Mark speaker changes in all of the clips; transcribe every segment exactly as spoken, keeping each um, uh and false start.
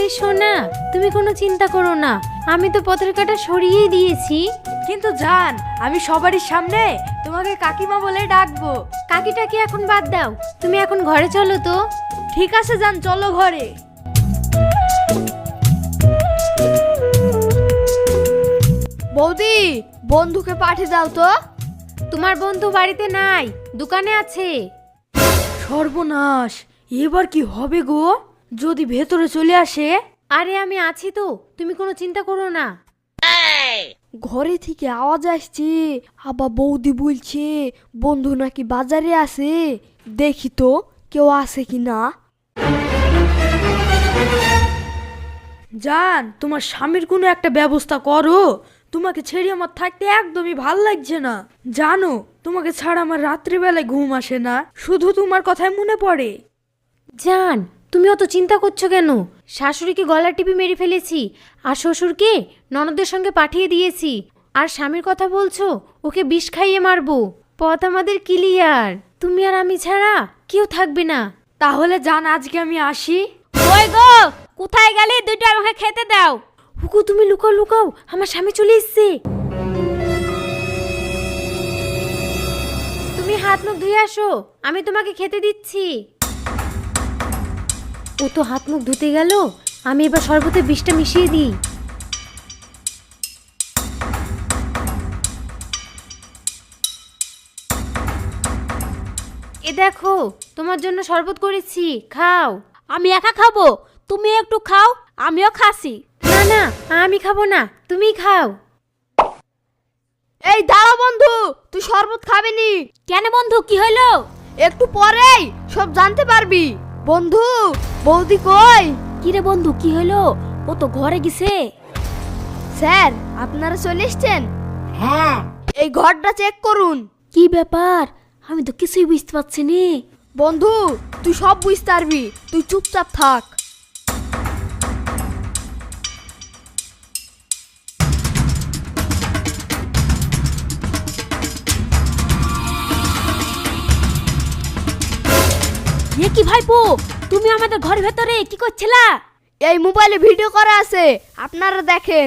Speaker 1: আরে সোনা, তুমি কোনো চিন্তা করো না, আমি তো পতাকাটা সরিয়েই দিয়েছি।
Speaker 2: কিন্তু জান, আমি সবারই সামনে তোমাকে কাকিমা বলে ডাকবো।
Speaker 1: কাকিটাকে এখন বাদ দাও, তুমি এখন ঘরে চলো তো।
Speaker 2: ঠিক আছে জান, চলো ঘরে। বৌদি, বন্ধুকে পাঠিয়ে দাও তো।
Speaker 1: তোমার বন্ধু বাড়িতে নাই, দোকানে আছে।
Speaker 2: সর্বনাশ, এবার কি হবে গো? যদি ভেতরে চলে আসে?
Speaker 1: আরে আমি আছি তো, তুমি কোনো চিন্তা করো না।
Speaker 2: ঘরে থেকে আওয়াজ আসছে, আবার বৌদি বলছে বন্ধু নাকি বাজারে আছে। দেখি তো কেউ আছে কি না। জান, তোমার স্বামীর কোনো একটা ব্যবস্থা করো। তোমাকে ছেড়ে আমার থাকতে একদমই ভাল লাগছে না। জানো, তোমাকে ছাড়া আমার রাত্রিবেলায় ঘুম আসে না, শুধু তোমার কথাই মনে পড়ে।
Speaker 1: জান, তুমি অত চিন্তা করছো কেন? শাশুড়িকে গলা টিপে মেরে ফেলেছি, আর শ্বশুরকে ননদের সঙ্গে পাঠিয়ে দিয়েছি। আর স্বামীর কথা বলছো, ওকে বিষ খাইয়ে মারবো। পথ আমাদের ক্লিয়ার, তুমি আর আমি ছাড়া কেউ থাকবে না।
Speaker 2: তাহলে জান, আজকে আমি আসি।
Speaker 3: ওই গো, কোথায় গেলি? দুটো আমাকে খেতে দাও।
Speaker 1: হুকু, তুমি লুকাও লুকাও, আমার স্বামী চলে এসছে। তুমি হাত মুখ ধুয়ে আসো, আমি তোমাকে খেতে দিচ্ছি। ও তো হাত মুখ ধুতে গেল, আমি এবার শরবতে বিষটা মিশিয়ে দিই। এ দেখো, তোমার জন্য শরবত করেছি, খাও।
Speaker 3: আমি একা খাবো, তুমি একটু খাও, আমিও খাসি।
Speaker 1: না না, আমি খাবো না, তুমি খাও।
Speaker 2: এই দাঁড়া বন্ধু, তুই শরবত খাবি নি?
Speaker 3: কেন বন্ধু, কি হলো?
Speaker 2: একটু পরেই সব জানতে পারবি। বন্ধু, বৌদি কই?
Speaker 3: কিরে বন্ধু, কি হলো? ও তো ঘরে গেছে।
Speaker 2: স্যার, আপনারা চলে এসছেন?
Speaker 3: হ্যাঁ।
Speaker 2: এই ঘরটা চেক করুন।
Speaker 3: কি ব্যাপার? আমি তো কিছুই বুঝতে পারছি নি।
Speaker 2: বন্ধু, তুই সব বুঝতে পারবি, তুই চুপচাপ থাক।
Speaker 3: এ কি ভাইপো, তুমি আমাদের ঘরের ভেতরে কি করছিলা?
Speaker 2: এই মোবাইলে ভিডিও করা আছে, আপনারা দেখেন।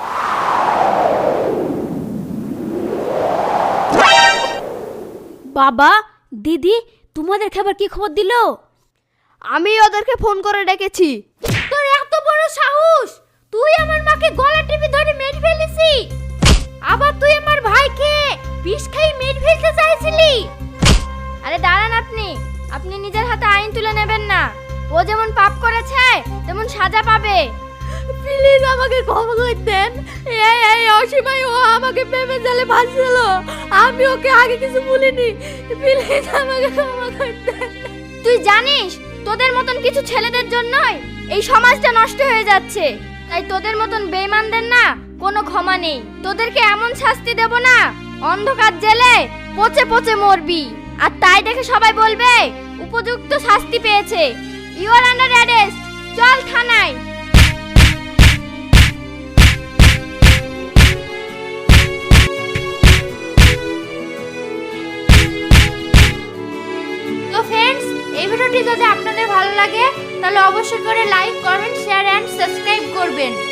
Speaker 3: বাবা, দিদি, তোমাদের খাবার কি খবর দিল?
Speaker 2: আমি ওদেরকে ফোন করে ডেকেছি।
Speaker 1: তোর এত বড় সাহস, তুই আমার মাকে গলা টিপে ধরে মেরে ফেলেছি, আবার তুই আমার ভাইকে বিষ খাইয়ে মেরে ফেলতে চাইছিলি।
Speaker 4: আরে দাঁড়ান, আপনি আপনি নিজের হাতে আইন তুলে নেবেন না। ও যেমন পাপ করেছে তেমন সাজা পাবে।
Speaker 2: প্লিজ আমাকে ক্ষমা করে দেন। এই এই অসীমাই ও আমাকে প্রেমে জালে ভাসছিল, আমি ওকে আগে কিছু বলিনি। প্লিজ আমাকে ক্ষমা করে দেন।
Speaker 4: তুই জানিস তোদের মতন কিছু ছেলেদের জন্যই এই সমাজটা নষ্ট হয়ে যাচ্ছে। তাই তোদের মতন বেঈমানদের না কোনো ক্ষমা নেই। তোদেরকে এমন শাস্তি দেব না, অন্ধকার জেলে পচে পচে মরবি। আর তাই দেখে সবাই বলবে উপযুক্ত শাস্তি পেয়েছে। You are under arrest. চল থানায়।
Speaker 1: তো ফ্রেন্ডস, এই ভিডিওটি যদি আপনাদের ভালো লাগে তাহলে অবশ্যই করে like, comment, share and subscribe করবেন।